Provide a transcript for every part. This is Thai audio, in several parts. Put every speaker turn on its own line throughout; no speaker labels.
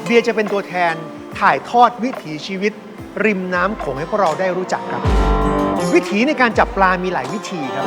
เบียร์จะเป็นตัวแทนถ่ายทอดวิถีชีวิต ริมน้ำโขงให้พวกเราได้รู้จักครับ วิถีในการจับปลามีหลายวิธีครับ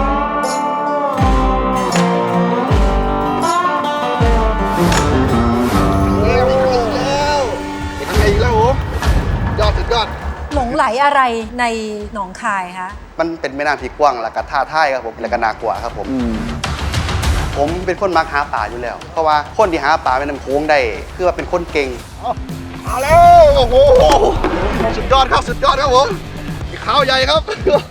สุดยอด
หลงไหลอะไรในหนองคายคะ
มันเป็นแม่น้ำที่กว้างและก็ท่าท่ายครับผมและก็น่ากลัวครับผมผมเป็นคนมักหาปลาอยู่แล้ว เพราะว่าคนที่หาปลาเป็นน้ำโค้งได้คือว่าเป็นคนเก่งมาแล้วโอ้โหสุดยอดครับสุดยอดครับผมขาวใหญ่ครับ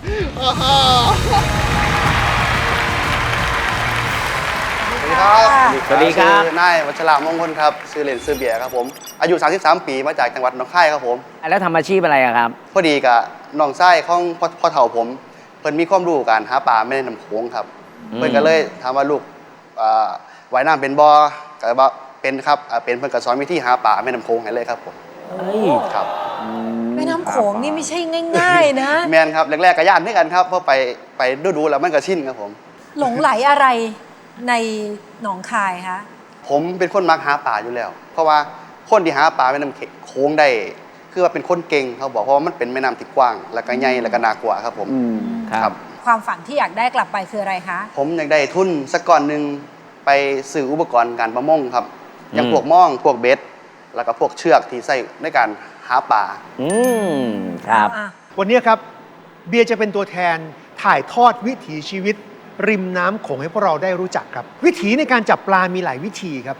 สวัสดีครับ นายวัชรามงคลครับชื่อเล่นชื่อเบียร์ครับผมอายุ33 ปีมาจากจังหวัดหนองคายครับผม
แล้วทำอาชีพอะไรครับ
พอดีกับน้องไส้ของพ่อเฒ่าผมเพิ่นมีความรู้การหาปลาไม่ได้น้ำโขงครับเพิ่นก็เลยถามว่าลูกว่ายน้ำเป็นบ่ก็บอกเป็นครับเป็นเพิ่นก็สอนวิธีหาปลาไม่น้ำโขงให้เลยครับผมครับ
แม่น้ำโขงนี่ไม่ใช่ง่ายๆนะ
แมนครับแรกๆก็ย่านด้วยกันครับเพราะไปดูแล้วมันก็ชินครับผม
หลงไหลอะไรในหนองคายคะ
ผมเป็นคนมักหาปลาอยู่แล้ว เพราะว่าคนที่หาปลาแม่น้ำโขงได้คือว่าเป็นคนเก่งเขาบอกเพราะว่ามันเป็นแม่น้ำที่กว้างและก็ใหญ่และก็น่ากลัวครับผม
ครับ
ความฝันที่อยากได้กลับไปคืออะไรคะ
ผมอยากได้ทุนสักก้อนหนึ่งไปซื้ออุปกรณ์การประมงครับอย่างพวกม่องพวกเบ็ดแล้วก็พวกเชือกที่ใช้ในการหาปลา
ครับ
วันนี้ครับเบียร์จะเป็นตัวแทนถ่ายทอดวิถีชีวิต ริมน้ำโขงให้พวกเราได้รู้จักครับ วิถีในการจับปลามีหลายวิธีครับ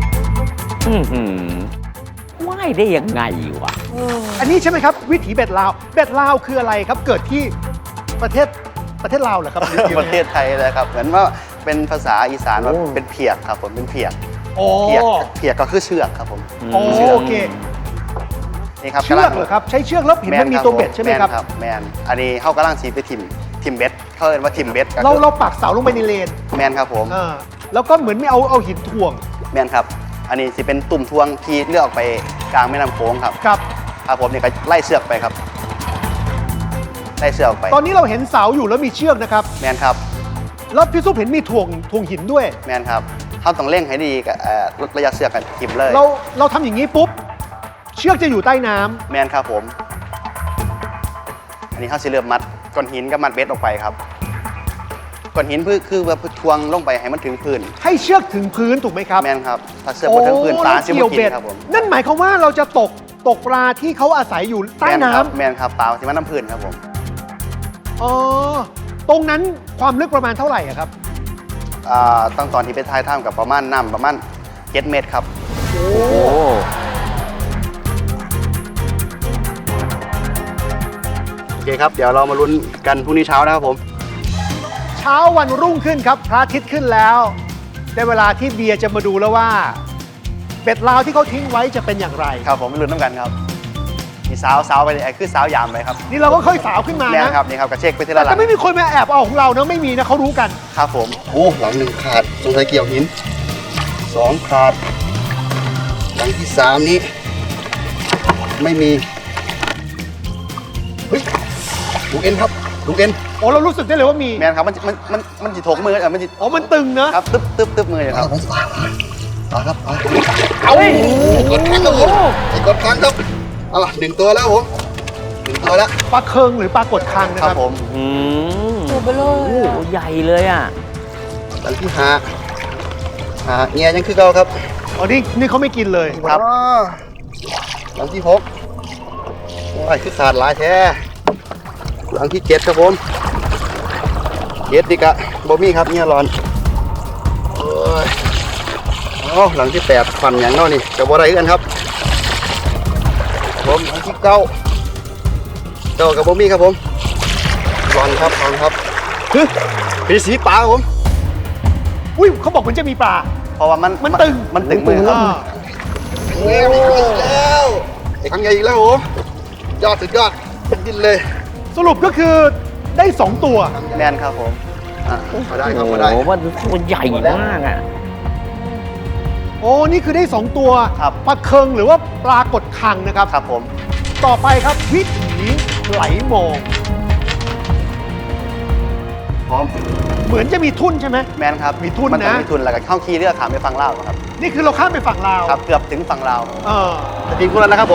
ว่ายได้ยังไงวะ
อันนี้ใช่ไหมครับวิถีเบ็ดลาวเบ็ดลาวคืออะไรครับเกิดที่ประเทศลาวเหรอครับ
ประเทศไทยเลยครับเหมือนว่าเป็นภาษาอีสานว่าเป็นเพียกครับผมเป็นเพียกเพียกก็คือเชือกครับผม
โอเค
นี่ครับ
เชือกเหรอครับใช้เชือกแล้วเห็นมันมีตัวเบ็ดใช่ไหมครับ
แมนอันนี้เขากำลังสีไปทิมเบ็ดเขาเรียกว่าทิมเบ็ด
เราปักเสาลงไปในเลน
แมนครับผม
แล้วก็เหมือนไม่เอาหินถ่วง
แมนครับอันนี้สิเป็นตุ่มทวงที่เลือกออกไปกลางแม่น้ำโขงครับครับผมนี่ก็ไล่เชือกไปครับไล่เชือกไป
ตอนนี้เราเห็นเสาอยู่แล้วมีเชือกนะครับ
แมนครับ
แล้วพี่ซุปเห็นมีถ่วงหินด้วย
แมนครับเขาต้องเร่งให้ดีกับลดระยะเชือกกันทิมเลย
เราทำอย่างนี้ปุ๊บเชือกจะอยู่ใต้น้ำ
แมนครับผมอันนี้เขาสิเริ่มมัดก้อนหินกับมัดเบ็ดออกไปครับก้อนหินคือว่าทวงลงไปให้มันถึงพื้น
ให้เชือกถึงพื้นถูกไหมครับ
แมนครับถ้าเชือกบนถึงพื้นปลาจะไม่กินครับผม
นั่นหมายความว่าเราจะตกปลาที่เขาอาศัยอยู่ใต้น้ำ
แมนครับปลาที่มันน้ำพื้นครับผม
ตรงนั้นความลึกประมาณเท่าไหร่ครับ
ตั้งตอนที่ไปท้ายถ้ำกับประมาณน้ำประมาณ7 เมตรครับ
โอ้
โอเคครับเดี๋ยวเรามาลุ้นกันพรุ่งนี้เช้านะครับผม
เช้าวันรุ่งขึ้นครับพระอาทิตย์ขึ้นแล้วได้เวลาที่เบียร์จะมาดูแล้วว่าเบ็ดลาวที่เขาทิ้งไว้จะเป็นอย่างไร
ครับผมไม่ลุ้นน้ำกันครับมีสาวไปเลยคือสาวยามไปครับ
นี่เราก็ค่อยสาวขึ้นมา
นะครับนี่ครับกระเช็คไปทีละหลัง
แต่ไม่มีคนมาแอบเอาของเรานะไม่มีนะเขารู้กัน
ครับผมโอ้หลัง1ขาดสงสัยเกี่ยวหิน2ขาดหลังที่3นี้ไม่มีเฮ้ยลูกเอ็นครับลูกเอ็น
โอ้เรารู้สึกได้เลยว่ามี
แมนครับมันจิถกมือมันจิ
มันตึงนะครับ
ตึ๊บมือครับต่อครับ
เอา
กดค้างครับผมไอ้กดค้างครับ1 ตัวแล้วผม1 ตัวแล้ว
ปลาเคิงหรือปลากดคังนะครับ
ผม
ตัวเบลอ
ใหญ่เลยอ่ะ
หลังที่หาเงี้ยยังคือเก่าครับ
นี่เขาไม่กินเลย
ครับหลังที่6โอ้ยคือขาดหลายแท้หลังที่7ครับผม7ดิกะบอมี่ครับเนี่ยร้อนหลังที่8ฟันอย่างน้อยนี่จะบ่ได้กันครับผมหลังที่9กับบอมี่ครับผมร้อนครับปีสีปลาครับผม
อุ้ยเขาบอกมันจะมีปลา
เพราะว่ามันตึงมือครับแล้วไอ้ครั้งใหญ่อีกแล้วโอ้ยอดสุดยอดดิ้นเลย
สรุปก็คือได้2 ตัว
แมนครับผมมาได้ครับมาได้
โอ้มันตัวใหญ่มากอ่ะ
โอ้นี่คือได้2 ตัวปลาเคิงหรือว่าปลากดคังนะครับ
ครับผม
ต่อไปครับวิถีไหลมอง
พร้อม
เหมือนจะมีทุ่นใช่ไหม
แมนครับ
มีทุ่นนะ
มีทุ่นแล้วก็เข้าคีเรือขามไปฟังเล่าครับ
นี่คือเราข้ามไปฝั่งลาว
ครับเกือบถึงฝั่งลาว
เออ
จะทิ้งคุณแล้วนะครับผม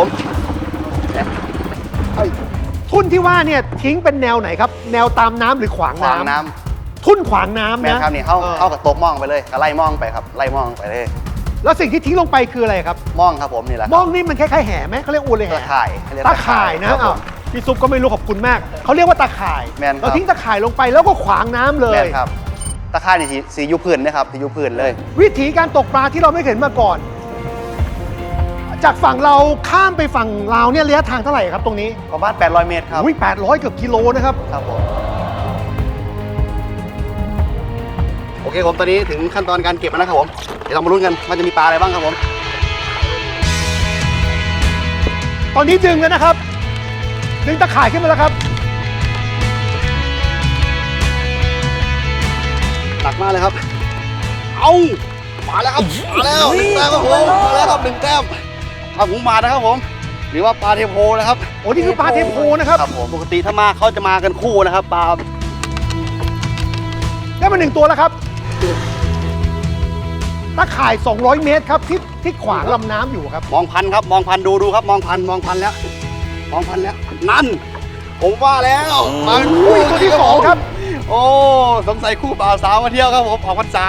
ทุ่นที่ว่าเนี่ยทิ้งเป็นแนวไหนครับ แนวตามน้ำหรือขวาง
ขวาง
น้ำ
น้
ทุ่นขวางน้ำ
ำแม่
นะครับ
นี่เข้ากับโต๊ะมองไปเลยก็ไล่มองไปครับไล่มองไปเลย
แล้วสิ่งที่ทิ้งลงไปคืออะไรครับ
มองครับผมนี่แหละ
มองนี่มันคล้ายๆแห่ไหมเขาเรียกอวนเลย
ตะ
แห่
ข่ายเรีก
ตาข่ายนะครับ
ผ
อ้าว
ม
พี่ซุปก็ไม่รู้ขอบคุณมากเขาเรียกว่าตาข่าย
แม่นครับ
เราทิ้งตาข่ายลงไปแล้วก็ขวางน้ำเลย
แม่นครับตะข่ายนี่สียูพื้นนะครับสียูพื้นเลย
วิธีการตกปลาที่เราไม่เห็นมาก่อน จากฝั่งเราข้ามไปฝั่งลาวเนี่ยระยะทางเท่าไหร่ครับตรงนี้
ประมาณ800 เมตรครับ
อุ้ย800เกือบกิโลนะครับ
ครับผมโอเคผมตอนนี้ถึงขั้นตอนการเก็บแล้วนะครับผมเดี๋ยวเรามาลุ้นกันว่าจะมีปลาอะไรบ้างครับผม
ตอนนี้ดึงแล้วนะครับ ดึงตะข่ายขึ้นมาแล้วครับ
หนักมากเลยครับ เอามาแล้วครับมาแล้วหนึ่งแต้มครับผมมาแล้วครับ1 แต้มเอาผมมานะครับผม หรือว่าปลาเทโพนะครับ
โอ้นี่คือปลาเทโพนะครับ
ครับผมปกติถ้ามาเขาจะมากันคู่นะครับปลา
ได้มา1 ตัวแล้วครับตะข่าย 200 เมตรครับที่ขวางลำน้ำอยู่ครับ
มองพันครับมองพันดูครับมองพันแล้วมองพันแล้วนั่น ผมว่าแล้วมาเป็น
อุ้ยตัวที่2ครับ
โอ้สงสัยคู่บ่าวสาวมาเที่ยวครับผมออกพรรษา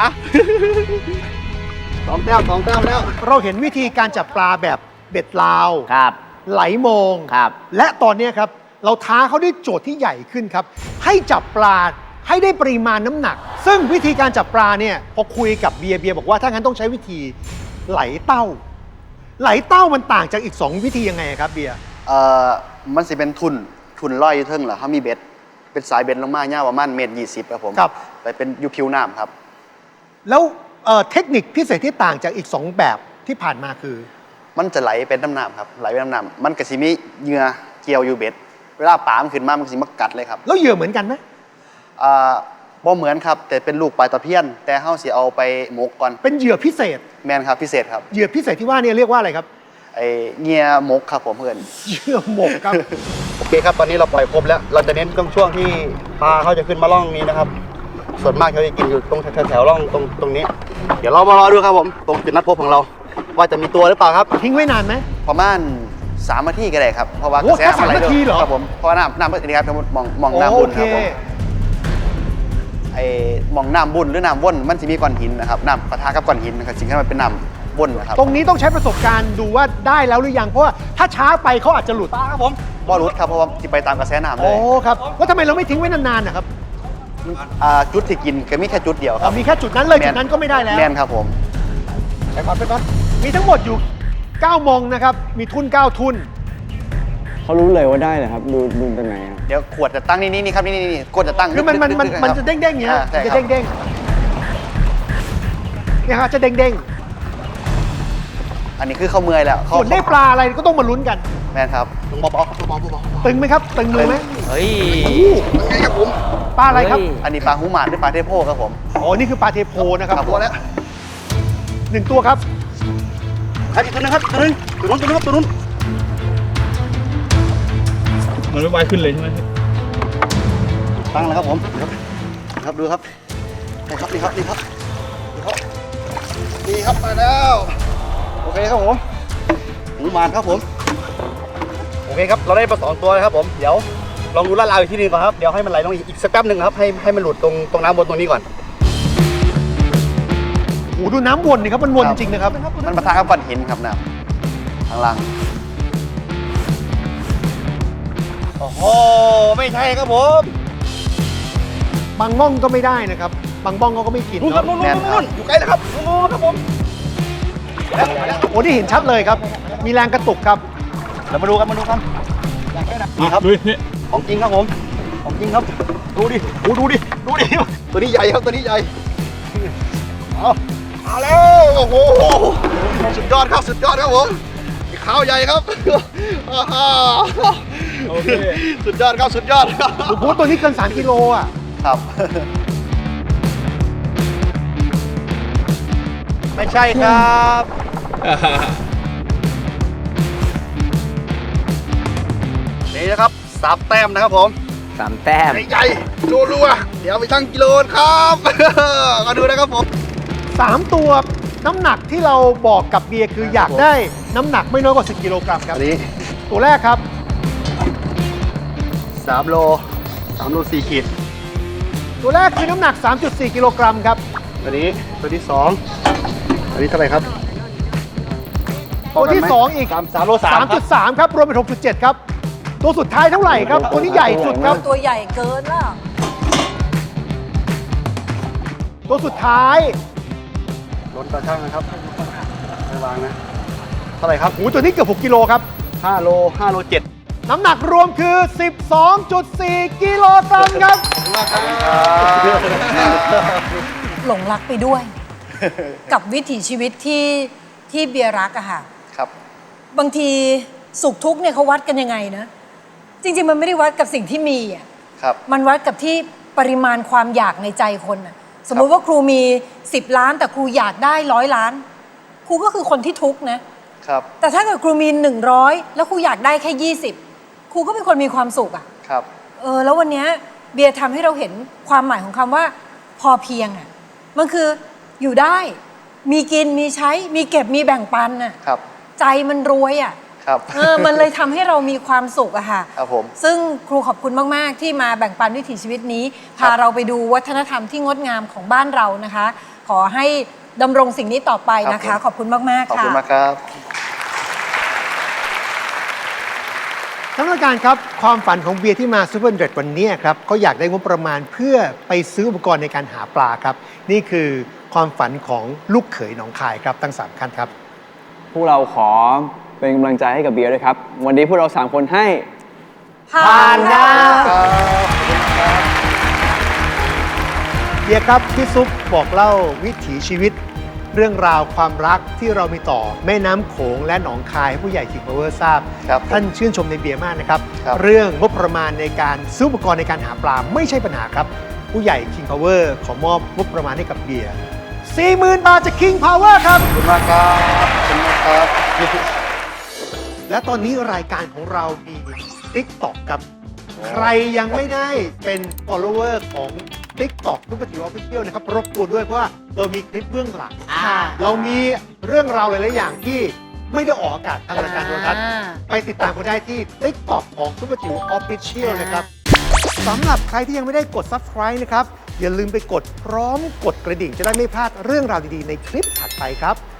2 แต้มแล้ว
เราเห็นวิธีการจับปลาแบบเบ็ดลาว
ครับ
ไหลมอง
ครับ
และตอนนี้ครับ เราท้าเขาด้วยโจทย์ที่ใหญ่ขึ้นครับ ให้จับปลาให้ได้ปริมาณน้ำหนัก ซึ่งวิธีการจับปลาเนี่ยพอคุยกับเบียร์บอกว่าถ้างั้นต้องใช้วิธีไหลเต้า ไหลเต้ามันต่างจากอีก 2 วิธียังไงครับเบียร์
มันสิเป็นทุนลอยอยู่เทิงเหรอเขามีเบ็ดเป็นสายเบ็ดลงมาเน่ยประมาณ1.20 ครับผม
ครับ
ไปเป็นยูพิวน้ำครับ
แล้วเทคนิคพิเศษที่ต่างจากอีก 2 แบบที่ผ่านมาคือ
มันจะไหลเป็นน้ำน้ำครับไหลเป็นน้ำน้ำมันก็สิมีเหยื่อเกี่ยวอยู่เบ็ดเวลาปลามันขึ้นมามันก็สิมากัดเลยครับ
แล้วเหยื่อเหมือนกันไหม
บ่เหมือนครับแต่เป็นลูกปลาตะเพียน แต่เฮาสิเอาไปหมกก่อน
เป็นเหยื่อพิเศษ
แมนครับพิเศษครับ
เหยื่อพิเศษที่ว่าเนี่ยเรียกว่าอะไรครับ
ไอเงียหมกครับผมเพื่อน
เหยื่อหมกครับ
โอเคครับตอนนี้เราปล่อยครบแล้ว เราจะเน้นช่วงที่ปลาเขาจะขึ้นมาล่องนี้นะครับ ส่วนมากเขาจะกินอยู่ตรงแถวๆล่องตรงนี้ เดี๋ยวเรามารอดูครับผมตรงจุดนัดพบของเรา ว่าจะมีตัวหรือเปล่าครับ
ทิ้งไว้นานไหม
ประมาณ3 นาทีก็ได้ครับเพราะว่าก
โอ้
ระแส
แค่
มันไหล
3 นาทีเหรอ
ครับผมเพราะว่าน้ำนี่ครับมองน้ำ
โอ
บุญ
เค
ครับผมไอ้มองน้ำบุญหรือน้ำว่นมันจะมีก้อนหินนะครับน้ำปะทะกับก้อนหินนะครับสิ่งที่มันเป็นน้ำว่นนะครับ
ตรงนี้ต้องใช้ประสบการณ์ดูว่าได้แล้วหรือยังเพราะว่าถ้าช้าไปเขาอาจจะหลุด
ครับผมบอรุษครับเพราะว่าที่ไปตามกระแสน้ำเล
โอ้
ย
ครับว่าทำไมเราไม่ทิ้งไว้นานๆนะครับ
จุดที่กินก็มีแค่จุดเดียวครับ
มีแค่จุดนั้นเลยจุดนั้นก็ไม่ได้แล้ว
แม่นครับผม
ไปก่อนมีทั้งหมดอยู่ 9 มองนะครับ มีทุน 9 ทุน
เขารู้เลยว่าได้เหรอครับ ดูตรงไหนครับ
เดี๋ยวขวดจะตั้งนี่ครับนี่ขวดจะตั้ง
คือมัน
ลึกๆ
จะเด้งๆอย่างเงี้ย
ใช่
มัน
ค
จะ
รับ
เด้งๆเนี่ยครับจะเด้ง
อันนี้คือเขาเมื่อยแล้ว
ๆส่วนได้ปลาอะไรก็ต้องมาลุ้นกัน
แม่นครับเบาๆครับเบาๆ
ตึงไหมครับ ตึงมือไหม
เฮ้ย
เป็นไงครับผม
ปลาอะไรครับ
เฮ้ย
อันนี้ปลาหูหมานหรือปลาเทโพครับผม
อ๋อ นี่คือปลาเทโพนะครับ
ตัวแล้ว
1 ตัวครับ
ครับอีกตัวนึงครับตัวนึงตัวนู้น
มันไม่ไวขึ้นเลยใช่ไหม
ตั้งแล้วครับผมครับดูครับนี่ครับนี่ครับมาแล้วโอเคครับผมหูหมานครับผมโอเคครับเราได้ปลา2 ตัวแล้วครับผมเดี๋ยวลองดูลาดราวอีกทีนึงก่อนครับเดี๋ยวให้มันไหลลงอีกสักแป๊บหนึ่งครับให้มันหลุดตรงน้ำบนตรงนี้ก่อน
โอ้โหดูน้ำวนนี่ครับ มันวนจริงๆนะครับ
มันปะทะกับก้อนหินครับน้ำข้างล่างโอ้โหไม่ใช่ครับผม
บางม่องก็ไม่ได้นะครับ บางบ้องเขาก็ไม่กิน
นู่นครับ
เนอะ
นู่นอยู่ใกล้แล้วครับนู่นครับผม
โอ้นี่เห็นชัดเลยครับ มีแรงกระตุกครับ
เรามาดูกันนี่ครับ
ดูนี่
ของจริงครับผมของจริงครับ ดูดิตัวนี้ใหญ่ครับตัวนี้ใหญ่เอาแล้วโอ้โหสุดยอดครับผมขาวใหญ่ครับ
โอเค
สุดยอดครับ
โอ้โหตัวนี้เกิน 3 กิโลอ่ะ
ครับ ไม่ใช่ครับนี่นะครับ3 แต้มนะครับผม
3 แต้ม
ใหญ่ๆรัวๆเดี๋ยวไปชั่งกิโลครับ มาดูนะครับผม
3 ตัวน้ำหนักที่เราบอกกับเบียร์คืออยากได้น้ำหนักไม่น้อยกว่า10 กิโลกรัมครับ
อันนี้
ตัวแรกครับ
3 โล 3 โล 4 ขีด
ตัวแรกคือน้ำหนัก 3.4 กิโลกรัมครับ
ตัวนี้ตัวที่ 2 อันนี้เท่าไหร่ครับ
ตัวที่ 2 อีก
3 โล 3 ครับ
3.3 ครับ รวมเป็น 6.7 ครับ ตัวสุดท้ายเท่าไหร่ครับ ตัวนี้ใหญ่สุดครับ
ตัวใหญ่เกินล่ะ
ตัวสุดท้าย
ลดกระช่างนะครับไม่วางนะ เท่าไหร่ครับ
โอ้โหตัวนี้เกือบ 6 กิโลครับ
5 โล 5 โล 7
น้ำหนักรวมคือ 12.4 กิโลกรัมครับ
หลงรักไปด้วย กับวิถีชีวิตที่เบียร์รักอะค่ะ
ครับ
บางทีสุขทุกข์เนี่ยเขาวัดกันยังไงนะ จริง ๆ มันไม่ได้วัดกับสิ่งที่มีอะ
ครับ
มันวัดกับที่ปริมาณความอยากในใจคนอะสมมุติว่าครูมี 10 ล้าน แต่ครูอยากได้100 ล้าน ครูก็คือคนที่ทุกข์นะ
ครับ
แต่ถ้าเกิดครูมี100 แล้วครูอยากได้แค่20 ครูก็เป็นคนมีความสุขอะ
ครับ
แล้ววันเนี้ยเบียร์ทำให้เราเห็นความหมายของคำว่าพอเพียงอะมันคืออยู่ได้ มีกินมีใช้มีเก็บมีแบ่งปันอะ
ครับ
ใจมันรวยอะ
ครับ
มันเลยทำให้เรามีความสุขอะค่ะ
ครับผม
ซึ่งครูขอบคุณมาก ๆ ที่มาแบ่งปันวิถีชีวิตนี้ พาเราไปดูวัฒนธรรมที่งดงามของบ้านเรานะคะ ขอให้ดำรงสิ่งนี้ต่อไปนะ
ครั
คะ
บผม
ขอบคุณมาก
ขอบ
ๆ ค่ะ
คุณมากครับ
ท่านผู้การครับ ความฝันของเบียร์ที่มาซูเปอร์เดรดวันนี้ครับเขาอยากได้งบประมาณเพื่อไปซื้ออุปกรณ์ในการหาปลาครับ นี่คือความฝันของลูกเขยหนองคายครับทั้ง3ท่านครับ
พวกเราขอเป็นกำลังใจให้กับเบียร์ด้วยครับ วันนี้พวกเรา 3 คนให้
ผ่านค่ะ
เบียร์ครับพี่ซุปบอกเล่าวิถีชีวิต เรื่องราวความรักที่เรามีต่อแม่น้ำโขงและหนองคายให้ผู้ใหญ่ King Power ทราบ
ครับ
ท่านชื่นชมในเบียร์มากนะครับ
ครับ
เรื่องงบประมาณในการซื้ออุปกรณ์ในการหาปลาไม่ใช่ปัญหาครับ ผู้ใหญ่ King Power ขอมอบงบประมาณให้กับเบียร์ 40,000 บาทจาก King Power ครับ
ขอบคุณมากครับขอบคุณมากครับ
และตอนนี้รายการของเรามี TikTok ครับ ใครยังไม่ได้เป็น follower ของ TikTok ทุกปฏิวัติเที่ยวนะครับ รบกวนด้วยเพราะว่าเรามีคลิปเบื้องหลัง เรามีเรื่องราวหลาย ๆ อย่างที่ไม่ได้ออกอากาศทางรายการโทรทัศน์ไปติดตามกันได้ที่ TikTok ของซุปเปอร์จิ๋ว Official นะครับสำหรับใครที่ยังไม่ได้กด Subscribe นะครับ อย่าลืมไปกดพร้อมกดกระดิ่งจะได้ไม่พลาดเรื่องราวดี ๆ ในคลิปถัดไปครับ